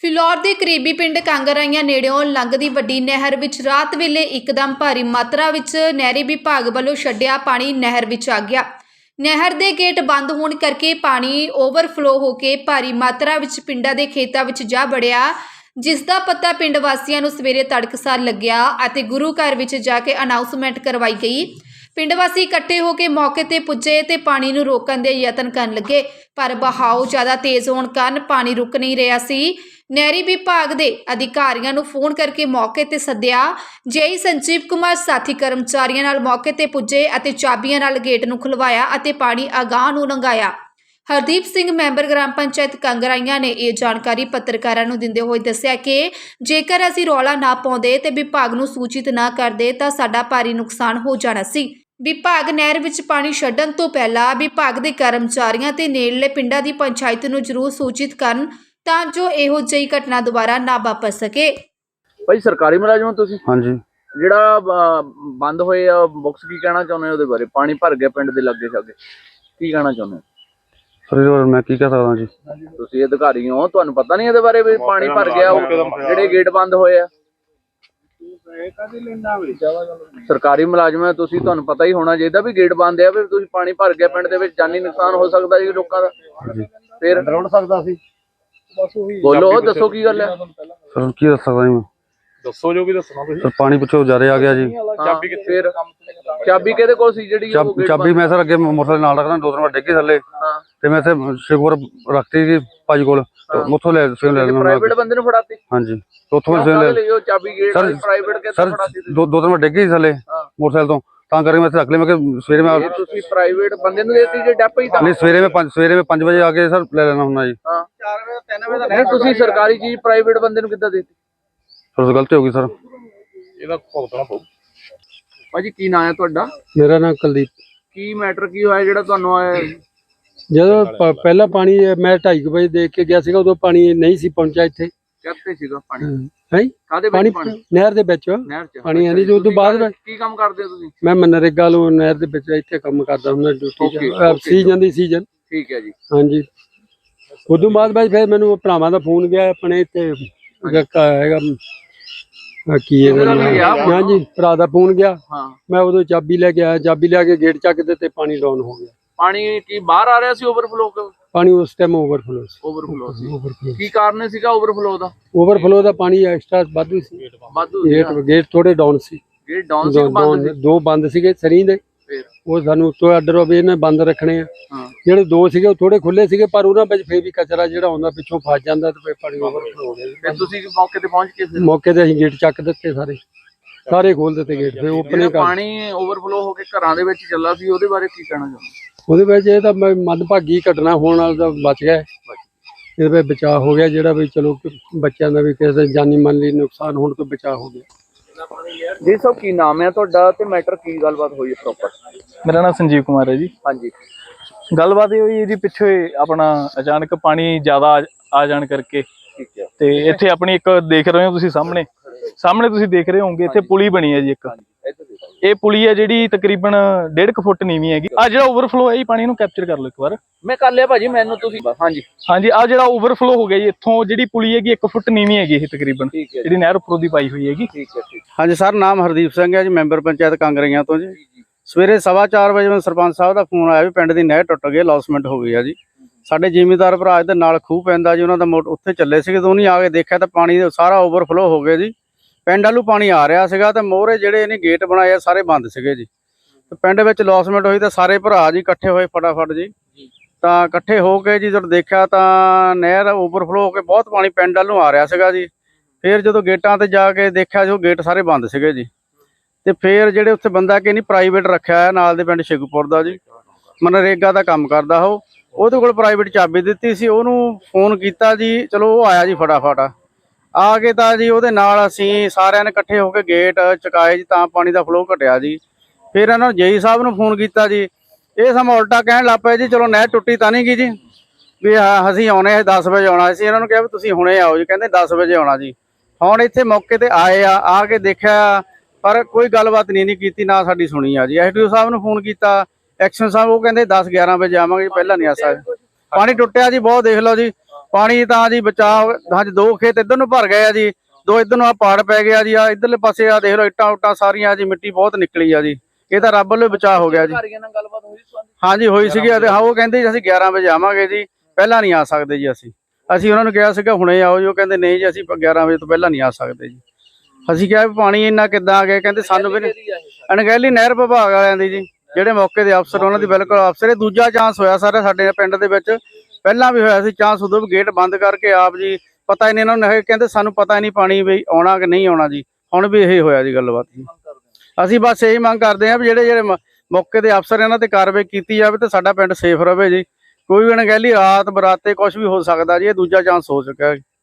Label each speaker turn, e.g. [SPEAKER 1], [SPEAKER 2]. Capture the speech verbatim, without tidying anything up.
[SPEAKER 1] ਫਿਲੌਰ ਦੇ ਕਰੀਬੀ ਪਿੰਡ ਕਾਂਗਰਾਈਆਂ ਨੇੜਿਓਂ ਲੰਘਦੀ ਵੱਡੀ ਨਹਿਰ ਵਿੱਚ ਰਾਤ ਵੇਲੇ ਇੱਕਦਮ ਭਾਰੀ ਮਾਤਰਾ ਵਿੱਚ ਨਹਿਰੀ ਵਿਭਾਗ ਵੱਲੋਂ ਛੱਡਿਆ ਪਾਣੀ ਨਹਿਰ ਵਿੱਚ ਆ ਗਿਆ। ਨਹਿਰ ਦੇ ਗੇਟ ਬੰਦ ਹੋਣ ਕਰਕੇ ਪਾਣੀ ਓਵਰਫਲੋ ਹੋ ਕੇ ਭਾਰੀ ਮਾਤਰਾ ਵਿੱਚ ਪਿੰਡਾਂ ਦੇ ਖੇਤਾਂ ਵਿੱਚ ਜਾ ਵੜਿਆ, ਜਿਸ ਦਾ ਪਤਾ ਪਿੰਡ ਵਾਸੀਆਂ ਨੂੰ ਸਵੇਰੇ ਤੜਕਸਾਰ ਲੱਗਿਆ ਅਤੇ ਗੁਰੂ ਘਰ ਵਿੱਚ ਜਾ ਕੇ ਅਨਾਉਂਸਮੈਂਟ ਕਰਵਾਈ ਗਈ। ਪਿੰਡ ਵਾਸੀ ਇਕੱਠੇ ਹੋ ਕੇ ਮੌਕੇ ਤੇ ਪੁੱਜੇ ਤੇ ਪਾਣੀ ਨੂੰ ਰੋਕਣ ਦੇ ਯਤਨ ਕਰਨ ਲੱਗੇ, ਪਰ ਬਹਾਓ ਜ਼ਿਆਦਾ ਤੇਜ਼ ਹੋਣ ਕਾਰਨ ਪਾਣੀ ਰੁਕ ਨਹੀਂ ਰਿਹਾ ਸੀ। ਨਹਿਰੀ ਵਿਭਾਗ ਦੇ ਅਧਿਕਾਰੀਆਂ ਨੂੰ ਫੋਨ ਕਰਕੇ ਮੌਕੇ ਤੇ ਸੱਦਿਆ। ਜੇਈ ਸੰਜੀਵ ਕੁਮਾਰ ਸਾਥੀ ਕਰਮਚਾਰੀਆਂ ਨਾਲ ਮੌਕੇ ਤੇ ਪੁੱਜੇ ਅਤੇ ਚਾਬੀਆਂ ਨਾਲ ਗੇਟ ਨੂੰ ਖੁਲਵਾਇਆ ਅਤੇ ਪਾਣੀ ਅਗਾਂਹ ਨੂੰ ਲੰਘਾਇਆ। ਹਰਦੀਪ ਸਿੰਘ ਮੈਂਬਰ ਗ੍ਰਾਮ ਪੰਚਾਇਤ ਕਾਂਗਰਾਈਆਂ ਨੇ ਇਹ ਜਾਣਕਾਰੀ ਪੱਤਰਕਾਰਾਂ ਨੂੰ ਦਿੰਦੇ ਹੋਏ ਦੱਸਿਆ ਕਿ ਜੇਕਰ ਅਸੀਂ ਰੌਲਾ ਨਾ ਪਾਉਂਦੇ ਤੇ ਵਿਭਾਗ ਨੂੰ ਸੂਚਿਤ ਨਾ ਕਰਦੇ ਤਾਂ ਸਾਡਾ ਭਾਰੀ ਨੁਕਸਾਨ ਹੋ ਜਾਣਾ ਸੀ। ਵਿਭਾਗ ਨਹਿਰ ਵਿੱਚ ਪਾਣੀ ਛੱਡਣ ਤੋਂ ਪਹਿਲਾਂ ਵਿਭਾਗ ਦੇ ਕਰਮਚਾਰੀਆਂ ਤੇ ਨੇੜਲੇ ਪਿੰਡਾਂ ਦੀ ਪੰਚਾਇਤ ਨੂੰ ਜ਼ਰੂਰ ਸੂਚਿਤ ਕਰਨ ਤਾਂ ਜੋ ਇਹੋ ਜਿਹੀ ਘਟਨਾ ਦੁਬਾਰਾ ਨਾ ਵਾਪਰ ਸਕੇ।
[SPEAKER 2] ਭਾਈ ਸਰਕਾਰੀ ਮੁਲਾਜ਼ਮ ਹੋ ਤੁਸੀਂ?
[SPEAKER 3] ਹਾਂਜੀ।
[SPEAKER 2] ਜਿਹੜਾ ਬੰਦ ਹੋਏ ਆ ਬੁਕਸ, ਕੀ ਕਹਿਣਾ ਚਾਹੁੰਦੇ ਹੋ ਉਹਦੇ ਬਾਰੇ? ਪਾਣੀ ਭਰ ਗਿਆ ਪਿੰਡ ਦੇ ਲਾਗੇ ਛਾਗੇ, ਕੀ ਕਹਿਣਾ ਚਾਹੁੰਦੇ ਹੋ?
[SPEAKER 3] ਸਰ ਮੈਂ ਕੀ ਕਹਿ ਸਕਦਾ ਜੀ,
[SPEAKER 2] ਤੁਸੀਂ ਅਧਿਕਾਰੀ ਹੋ, ਤੁਹਾਨੂੰ ਪਤਾ ਨਹੀਂ ਇਹਦੇ ਬਾਰੇ ਵੀ ਪਾਣੀ ਭਰ ਗਿਆ, ਜਿਹੜੇ ਗੇਟ ਬੰਦ ਹੋਏ ਆ? ਸਰਕਾਰੀ ਮੁਲਾਜ਼ਮ ਹੈ ਤੁਸੀਂ, ਤੁਹਾਨੂੰ ਪਤਾ ਹੀ ਹੋਣਾ ਚਾਹੀਦਾ ਵੀ ਗੇਟ ਬੰਦ ਆ, ਫਿਰ ਤੁਸੀਂ ਪਾਣੀ ਭਰ ਗਿਆ ਪਿੰਡ ਦੇ ਵਿੱਚ, ਜਾਨੀ ਨੁਕਸਾਨ ਹੋ ਸਕਦਾ ਜੀ ਲੋਕਾਂ ਦਾ। ਫਿਰ
[SPEAKER 3] ਡਰਾਉਣ ਸਕਦਾ ਸੀ।
[SPEAKER 2] ਬੋਲੋ, ਦੱਸੋ ਕੀ ਗੱਲ ਹੈ?
[SPEAKER 3] ਸਰ ਕੀ ਦੱਸ ਸਕਦਾ ਜੀ ਮੈਂ?
[SPEAKER 4] ਦੱਸੋ ਜੋ ਵੀ ਦੱਸਣਾ ਤੁਸੀਂ।
[SPEAKER 3] ਸਰ ਪਾਣੀ ਪਿੱਛੋਂ ਜ਼ਿਆਦਾ ਆ ਗਿਆ ਜੀ।
[SPEAKER 2] ਚਾਬੀ ਕਿੱਥੇ? ਫਿਰ ਚਾਬੀ ਕਿਹਦੇ ਕੋਲ ਸੀ ਜਿਹੜੀ?
[SPEAKER 3] ਚਾਬੀ ਮੈਂ ਸਰ ਅੱਗੇ ਮੋਟਰਸਾਈਕਲ ਨਾਲ ਰੱਖਦਾ, ਦੋ ਤਿੰਨ ਵਾਰ ਡਿੱਗੀ ਥੱਲੇ ਤੇ ਮੈਂ ਇੱਥੇ ਸ਼ਿਵਪੁਰ ਰੱਖਤੀ ਜੀ ਭਾਜੀ ਕੋਲ, ਉੱਥੋਂ ਲੈ ਲੈ
[SPEAKER 2] ਪ੍ਰਾਈਵੇਟ ਬੰਦੇ ਨੂੰ ਫੜਾਤੀ?
[SPEAKER 3] ਹਾਂਜੀ, ਉੱਥੋਂ ਲੈ ਲਿਓ
[SPEAKER 2] ਚਾਬੀ। ਗੇਟ ਪ੍ਰਾਈਵੇਟ ਕਿੱਥੇ ਫੜਾਤੀ?
[SPEAKER 3] ਦੋ ਦੋ ਤਿੰਨ ਵਾਰ ਡਿੱਗੀ ਥੱਲੇ ਮੋਟਰਸਾਈਕਲ ਤੋਂ, ਤਾਂ ਕਰਕੇ ਮੈਂ ਇੱਥੇ ਰੱਖ ਲਈ। ਮੈਂ ਕਿ ਸਵੇਰੇ ਮੈਂ
[SPEAKER 2] ਤੁਸੀਂ ਪ੍ਰਾਈਵੇਟ ਬੰਦੇ ਨੂੰ ਦੇਤੀ ਜੇ ਡੱਪ ਹੀ?
[SPEAKER 3] ਨਹੀਂ, ਸਵੇਰੇ ਮੈਂ ਪੰਜ ਸਵੇਰੇ ਮੈਂ ਪੰਜ ਵਜੇ ਆ ਕੇ ਸਰ ਲੈ ਲੈਣਾ ਹੁੰਦਾ ਜੀ।
[SPEAKER 2] ਹਾਂ, ਤਿੰਨ ਵਜੇ ਨਹੀਂ, ਤੁਸੀਂ ਸਰਕਾਰੀ ਚੀਜ਼ ਪ੍ਰਾਈਵੇਟ ਬੰਦੇ ਨੂੰ ਕਿੱਦਾਂ ਦੇਤੀ?
[SPEAKER 3] ਸਰ ਗਲਤੀ ਹੋ ਗਈ ਸਰ,
[SPEAKER 4] ਇਹਦਾ ਭੁਗਤਣਾ ਪਊ।
[SPEAKER 2] ਭਾਜੀ ਕੀ ਨਾਂ ਹੈ ਤੁਹਾਡਾ?
[SPEAKER 5] ਮੇਰਾ ਨਾਮ ਕੁਲਦੀਪ।
[SPEAKER 2] ਕੀ ਮੈਟਰ ਕੀ ਹੋਇਆ ਜਿਹੜਾ ਤੁਹਾਨੂੰ ਆਇਆ?
[SPEAKER 5] ਜਦੋਂ ਪਹਿਲਾਂ ਪਾਣੀ ਮੈਂ ਢਾਈ ਵਜੇ ਦੇਖ ਕੇ ਗਿਆ ਸੀਗਾ, ਉਦੋਂ ਪਾਣੀ ਨਹੀਂ ਸੀ ਪਹੁੰਚਿਆ ਇੱਥੇ।
[SPEAKER 2] ਕਿੱਥੇ ਸੀਗਾ ਪਾਣੀ?
[SPEAKER 5] ਹੈ
[SPEAKER 2] ਕਾਦੇ
[SPEAKER 5] ਪਾਣੀ? ਨਹਿਰ ਦੇ ਵਿੱਚ ਪਾਣੀ ਆਂਦੀ। ਜੋ ਤੋਂ ਬਾਅਦ
[SPEAKER 2] ਕੀ ਕੰਮ ਕਰਦੇ ਹੋ ਤੁਸੀਂ?
[SPEAKER 5] ਮੈਂ ਮਨਰੇਗਾ ਨੂੰ ਨਹਿਰ ਦੇ ਵਿੱਚ ਇੱਥੇ ਕੰਮ ਕਰਦਾ ਹੁੰਦਾ, ਡਿਊਟੀ ਸੀਜ਼ਨ ਦੀ ਸੀਜ਼ਨ।
[SPEAKER 2] ਠੀਕ ਹੈ ਜੀ।
[SPEAKER 5] ਹਾਂਜੀ, ਉਦੋਂ ਬਾਅਦ ਬਾਅਦ ਫਿਰ ਮੈਨੂੰ ਭਰਾਵਾਂ ਦਾ ਫੋਨ ਗਿਆ ਆਪਣੇ ਤੇ ਹੈਗਾ ਕੀ ਇਹਦਾ ਨਾਮ, ਹਾਂਜੀ ਭਰਾ ਦਾ ਫੋਨ ਗਿਆ। ਮੈਂ ਉਦੋਂ ਚਾਬੀ ਲੈ ਕੇ ਆਇਆ, ਚਾਬੀ ਲੈ ਕੇ ਗੇਟ ਚੱਕਦੇ ਤੇ ਪਾਣੀ ਡਾਊਨ ਹੋ ਗਿਆ।
[SPEAKER 2] ਪਾਣੀ ਕੀ ਬਾਹਰ ਆ ਰਿਹਾ ਸੀ? ਓਵਰਫਲੋ?
[SPEAKER 5] ਪਾਣੀ ਉਸ ਟਾਈਮ ਓਵਰਫਲੋ ਸੀ।
[SPEAKER 2] ਓਵਰਫਲੋ ਸੀ। ਕੀ ਕਾਰਨ ਸੀਗਾ ਓਵਰਫਲੋ ਦਾ?
[SPEAKER 5] ਓਵਰਫਲੋ ਦਾ ਪਾਣੀ ਐਕਸਟਰਾ ਵਾਧੂ ਸੀ।
[SPEAKER 2] ਵਾਧੂ
[SPEAKER 5] ਗੇਟ ਗੇਟ ਥੋੜੇ ਡਾਊਨ ਸੀ।
[SPEAKER 2] ਗੇਟ ਡਾਊਨ ਸੀ? ਬੰਦ ਸੀ?
[SPEAKER 5] ਦੋ ਬੰਦ ਸੀਗੇ ਸਰੀ ਦੇ, ਉਹ ਸਾਨੂੰ ਉੱਤੋਂ ਆਰਡਰ ਹੋਵੇ ਇਹਨੇ ਬੰਦ ਰੱਖਣੇ ਆ। ਜਿਹੜੇ ਦੋ ਸੀਗੇ ਉਹ ਥੋੜੇ ਖੁੱਲੇ ਸੀਗੇ, ਪਰ ਉਹਨਾਂ ਵਿੱਚ ਫੇਰ ਵੀ ਕਚਰਾ ਜਿਹੜਾ ਆਉਂਦਾ ਪਿੱਛੋਂ ਫਸ ਜਾਂਦਾ ਤੇ ਪਾਣੀ ਓਵਰਫਲੋ ਹੋ ਗਿਆ।
[SPEAKER 2] ਤੁਸੀਂ ਮੌਕੇ ਤੇ ਪਹੁੰਚ ਕੇ?
[SPEAKER 5] ਮੌਕੇ ਤੇ ਅਸੀਂ ਗੇਟ ਚੱਕ ਦਿੱਤੇ, ਸਾਰੇ ਸਾਰੇ ਖੋਲ ਦਿੱਤੇ ਗੇਟ, ਫਿਰ ਓਪਨ।
[SPEAKER 2] ਪਾਣੀ ਓਵਰਫਲੋ ਹੋ ਕੇ ਘਰਾਂ ਦੇ ਵਿੱਚ ਚੱਲਾ ਸੀ, ਉਹਦੇ ਬਾਰੇ ਕੀ ਕਹਿਣਾ ਚਾਹੁੰਦੇ?
[SPEAKER 5] ਉਹਦੇ ਵਿੱਚ ਇਹ ਤਾਂ ਮੰਦਭਾਗੀ ਘਟਨਾ ਹੋਣ ਨਾਲ ਤਾਂ ਬਚ ਗਿਆ, ਇਹਦੇ ਵਿੱਚ ਬਚਾਅ ਹੋ ਗਿਆ ਜਿਹੜਾ ਵੀ ਚਲੋ ਬੱਚਿਆਂ ਦਾ ਵੀ ਕਿਸੇ ਜਾਨੀ ਮਾਲੀ ਨੁਕਸਾਨ ਹੋਣ ਤੋਂ ਬਚਾਅ ਹੋ ਗਿਆ।
[SPEAKER 2] ਜੀ ਸਭ ਕੀ ਨਾਮ ਹੈ ਤੁਹਾਡਾ ਤੇ ਮੈਟਰ ਕੀ ਗੱਲਬਾਤ ਹੋਈ ਹੈ ਪ੍ਰੋਪਰ?
[SPEAKER 4] ਮੇਰਾ ਨਾਮ ਸੰਜੀਵ ਕੁਮਾਰ ਹੈ ਜੀ।
[SPEAKER 2] ਹਾਂਜੀ,
[SPEAKER 4] ਗੱਲਬਾਤ ਇਹ ਹੋਈ ਇਹਦੀ ਪਿੱਛੇ ਆਪਣਾ ਅਚਾਨਕ ਪਾਣੀ ਜ਼ਿਆਦਾ ਆ ਜਾਣ ਕਰਕੇ,
[SPEAKER 2] ਠੀਕ ਹੈ,
[SPEAKER 4] ਤੇ ਇੱਥੇ ਆਪਣੀ ਇੱਕ ਦੇਖ ਰਹੇ ਹੋ ਤੁਸੀਂ ਸਾਹਮਣੇ ਸਾਹਮਣੇ ਤੁਸੀਂ ਦੇਖ ਰਹੇ ਹੋਗੇ, ਇੱਥੇ ਪੁਲੀ ਬਣੀ ਹੈ ਜੀ ਇੱਕ। ਇਹ ਪੁਲੀ ਹੈ ਜਿਹੜੀ ਤਕਰੀਬਨ ਡੇਢ ਕੁ ਫੁੱਟ ਨੀਵੀਂ ਹੈਗੀ। ਆ ਜਿਹੜਾ ਓਵਰਫਲੋ ਹੈ ਜੀ ਪਾਣੀ ਨੂੰ ਕੈਪਚਰ ਕਰ ਲਓ ਇੱਕ ਵਾਰ।
[SPEAKER 2] ਮੈਂ ਕਰ ਲਿਆ ਭਾਜੀ, ਮੈਨੂੰ ਤੁਸੀਂ। ਹਾਂਜੀ
[SPEAKER 4] ਹਾਂਜੀ, ਆ ਜਿਹੜਾ ਓਵਰਫਲੋ ਹੋ ਗਿਆ ਜੀ, ਇੱਥੋਂ ਜਿਹੜੀ ਪੁਲੀ ਹੈਗੀ ਇੱਕ ਫੁੱਟ ਨੀਵੀਂ ਹੈਗੀ ਇਹ ਤਕਰੀਬਨ, ਜਿਹੜੀ ਨਹਿਰ ਉੱਪਰੋਂ ਦੀ ਪਾਈ ਹੋਈ ਹੈਗੀ।
[SPEAKER 2] ਠੀਕ ਹੈ, ਠੀਕ।
[SPEAKER 3] ਹਾਂਜੀ ਸਰ, ਨਾਮ ਹਰਦੀਪ ਸਿੰਘ ਹੈ ਜੀ, ਮੈਂਬਰ ਪੰਚਾਇਤ ਕਾਂਗਰਾਈਆਂ ਤੋਂ ਜੀ। ਸਵੇਰੇ ਸਵਾ ਚਾਰ ਵਜੇ ਮੈਨੂੰ ਸਰਪੰਚ ਸਾਹਿਬ ਦਾ ਫੋਨ ਆਇਆ ਵੀ ਪਿੰਡ ਦੀ ਨਹਿਰ ਟੁੱਟ ਗਈ, ਲੌਸਮੈਂਟ ਹੋ ਗਈ ਆ ਜੀ। ਸਾਡੇ ਜ਼ਿਮੀਂਦਾਰ ਭਰਾ ਦੇ ਨਾਲ ਖੂਹ ਪੈਂਦਾ ਜੀ, ਉਹਨਾਂ ਦਾ ਮੋਟ ਉੱਥੇ ਚੱਲੇ ਸੀਗੇ, ਤਾਂ ਉਹਨੇ ਆ ਕੇ ਦੇਖਿਆ ਤਾਂ ਪਾਣੀ ਸਾਰਾ ਓਵਰਫਲੋ ਹੋ ਗਿਆ ਜੀ। ਪਿੰਡ ਵੱਲੋਂ ਪਾਣੀ ਆ ਰਿਹਾ ਸੀਗਾ ਤੇ ਮੋਹਰੇ ਜਿਹੜੇ ਇਹਨੇ ਗੇਟ ਬਣਾਏ ਆ ਸਾਰੇ ਬੰਦ ਸੀਗੇ ਜੀ। ਤੇ ਪਿੰਡ ਵਿੱਚ ਲੌਸਮੈਂਟ ਹੋਈ ਤਾਂ ਸਾਰੇ ਭਰਾ ਜੀ ਇਕੱਠੇ ਹੋਏ ਫਟਾਫਟ ਜੀ, ਤਾਂ ਇਕੱਠੇ ਹੋ ਕੇ ਜੀ ਜਦੋਂ ਦੇਖਿਆ ਤਾਂ ਨਹਿਰ ਓਵਰਫਲੋ ਹੋ ਕੇ ਬਹੁਤ ਪਾਣੀ ਪਿੰਡ ਵੱਲੋਂ ਆ ਰਿਹਾ ਸੀਗਾ ਜੀ। ਫਿਰ ਜਦੋਂ ਗੇਟਾਂ ਤੇ ਜਾ ਕੇ ਦੇਖਿਆ ਜੋ ਗੇਟ ਸਾਰੇ ਬੰਦ ਸੀਗੇ ਜੀ, ਤੇ ਫਿਰ ਜਿਹੜੇ ਉੱਥੇ ਬੰਦਾ ਕਿ ਨਹੀਂ ਪ੍ਰਾਈਵੇਟ ਰੱਖਿਆ ਹੈ ਨਾਲ ਦੇ ਪਿੰਡ ਸ਼ਿਵਪੁਰ ਦਾ ਜੀ, ਮਨਰੇਗਾ ਦਾ ਕੰਮ ਕਰਦਾ ਉਹ, ਉਹਦੇ ਕੋਲ ਪ੍ਰਾਈਵੇਟ ਚਾਬੀ ਦਿੱਤੀ ਸੀ, ਉਹਨੂੰ ਫੋਨ ਕੀਤਾ ਜੀ, ਚਲੋ ਉਹ ਆਇਆ ਜੀ ਫਟਾਫਟ ਆ ਕੇ। ਤਾਂ ਜੀ ਉਹਦੇ ਨਾਲ ਅਸੀਂ ਸਾਰਿਆਂ ਨੇ ਇਕੱਠੇ ਹੋ ਕੇ ਗੇਟ ਚੁਕਾਏ ਜੀ, ਤਾਂ ਪਾਣੀ ਦਾ ਫਲੋ ਘਟਿਆ ਜੀ। ਫਿਰ ਇਹਨਾਂ ਨੂੰ ਜੇਈ ਸਾਹਿਬ ਨੂੰ ਫੋਨ ਕੀਤਾ ਜੀ, ਇਹ ਸਮਾਂ ਉਲਟਾ ਕਹਿਣ ਲੱਗ ਪਏ ਜੀ, ਚਲੋ ਨਹਿਰ ਟੁੱਟੀ ਤਾਂ ਨਹੀਂ ਗਈ ਜੀ, ਵੀ ਅਸੀਂ ਆਉਣੇ ਦਸ ਵਜੇ ਆਉਣਾ ਸੀ। ਇਹਨਾਂ ਨੂੰ ਕਿਹਾ ਵੀ ਤੁਸੀਂ ਹੁਣੇ ਆਓ ਜੀ, ਕਹਿੰਦੇ ਦਸ ਵਜੇ ਆਉਣਾ ਜੀ। ਹੁਣ ਇੱਥੇ ਮੌਕੇ ਤੇ ਆਏ ਆ, ਆ ਕੇ ਦੇਖਿਆ ਪਰ ਕੋਈ ਗੱਲਬਾਤ ਨਹੀਂ ਨਹੀਂ ਕੀਤੀ, ਨਾ ਸਾਡੀ ਸੁਣੀ ਆ ਜੀ। ਐਸ ਡੀ ਓ ਸਾਹਿਬ ਨੂੰ ਫੋਨ ਕੀਤਾ, ਐਕਸ਼ਨ ਸਾਹਿਬ, ਉਹ ਕਹਿੰਦੇ ਦਸ ਗਿਆਰਾਂ ਵਜੇ ਆਵਾਂਗੇ, ਪਹਿਲਾਂ ਨਹੀਂ ਆ ਸਕਦੇ। ਪਾਣੀ ਟੁੱਟਿਆ ਜੀ ਬਹੁਤ, ਦੇਖ ਲਓ ਜੀ। ਪਾਣੀ ਤਾਂ ਜੀ ਬਚਾਅ ਹਾਂਜੀ ਦੋ ਖੇਤ ਇੱਧਰ ਨੂੰ ਭਰ ਗਏ ਆ ਜੀ, ਦੋ ਇੱਧਰ ਨੂੰ ਆ ਪਹਾੜ ਪੈ ਗਿਆ ਜੀ, ਆ ਇੱਧਰਲੇ ਪਾਸੇ ਆ ਦੇਖ ਲਓ ਇੱਟਾਂ ਉੱਟਾਂ ਸਾਰੀਆਂ ਜੀ, ਮਿੱਟੀ ਬਹੁਤ ਨਿਕਲੀ ਆ ਜੀ। ਇਹ ਤਾਂ ਰੱਬ ਵੱਲੋਂ ਬਚਾਅ ਹੋ ਗਿਆ ਜੀ।
[SPEAKER 2] ਅਧਿਕਾਰੀਆਂ ਨਾਲ ਗੱਲਬਾਤ ਹੋਈ ਸੀ?
[SPEAKER 3] ਹਾਂਜੀ ਹੋਈ ਸੀਗੀ ਅਤੇ ਹਾਂ ਉਹ ਕਹਿੰਦੇ ਜੀ ਅਸੀਂ ਗਿਆਰਾਂ ਵਜੇ ਆਵਾਂਗੇ ਜੀ, ਪਹਿਲਾਂ ਨਹੀਂ ਆ ਸਕਦੇ ਜੀ। ਅਸੀਂ ਅਸੀਂ ਉਹਨਾਂ ਨੂੰ ਕਿਹਾ ਸੀਗਾ ਹੁਣੇ ਆਓ ਜੀ, ਉਹ ਕਹਿੰਦੇ ਨਹੀਂ ਜੀ ਅਸੀਂ ਗਿਆਰਾਂ ਵਜੇ ਤੋਂ ਪਹਿਲਾਂ ਨਹੀਂ ਆ ਸਕਦੇ ਜੀ। ਅਸੀਂ ਕਿਹਾ ਵੀ ਪਾਣੀ ਇੰਨਾ ਕਿੱਦਾਂ ਆ ਗਿਆ, ਕਹਿੰਦੇ ਸਾਨੂੰ ਵੀ ਅਣਗਹਿਲੀ ਨਹਿਰ ਵਿਭਾਗ ਵਾਲਿਆਂ ਦੀ ਜੀ, ਜਿਹੜੇ ਮੌਕੇ ਦੇ ਅਫਸਰ ਉਹਨਾਂ ਦੀ ਬਿਲਕੁਲ ਅਫਸਰ। ਇਹ ਦੂਜਾ ਚਾਂਸ ਹੋਇਆ ਸਰ ਸਾਡੇ ਪਿੰਡ ਦੇ ਵਿੱਚ, ਪਹਿਲਾਂ ਵੀ ਹੋਇਆ ਸੀ ਚਾਂਸ, ਉਦੋਂ ਵੀ ਗੇਟ ਬੰਦ ਕਰਕੇ ਆਪ ਜੀ ਪਤਾ ਹੀ ਨਹੀਂ ਇਹਨਾਂ ਨੂੰ, ਕਹਿੰਦੇ ਸਾਨੂੰ ਪਤਾ ਹੀ ਨਹੀਂ ਪਾਣੀ ਵੀ ਆਉਣਾ ਕਿ ਨਹੀਂ ਆਉਣਾ ਜੀ। ਹੁਣ ਵੀ ਇਹ ਹੋਇਆ ਜੀ ਗੱਲਬਾਤ ਜੀ। ਅਸੀਂ ਬਸ ਇਹੀ ਮੰਗ ਕਰਦੇ ਹਾਂ ਵੀ ਜਿਹੜੇ ਜਿਹੜੇ ਮੌਕੇ ਦੇ ਅਫਸਰ ਇਹਨਾਂ ਤੇ ਕਾਰਵਾਈ ਕੀਤੀ ਜਾਵੇ ਤੇ ਸਾਡਾ ਪਿੰਡ ਸੇਫ ਰਵੇ ਜੀ। ਕੋਈ ਵੀ ਅਣਗਹਿਲੀ ਰਾਤ ਬਰਾਤੇ ਕੁਝ ਵੀ ਹੋ ਸਕਦਾ ਜੀ, ਇਹ ਦੂਜਾ ਚਾਂਸ ਹੋ ਚੁੱਕਾ ਹੈ।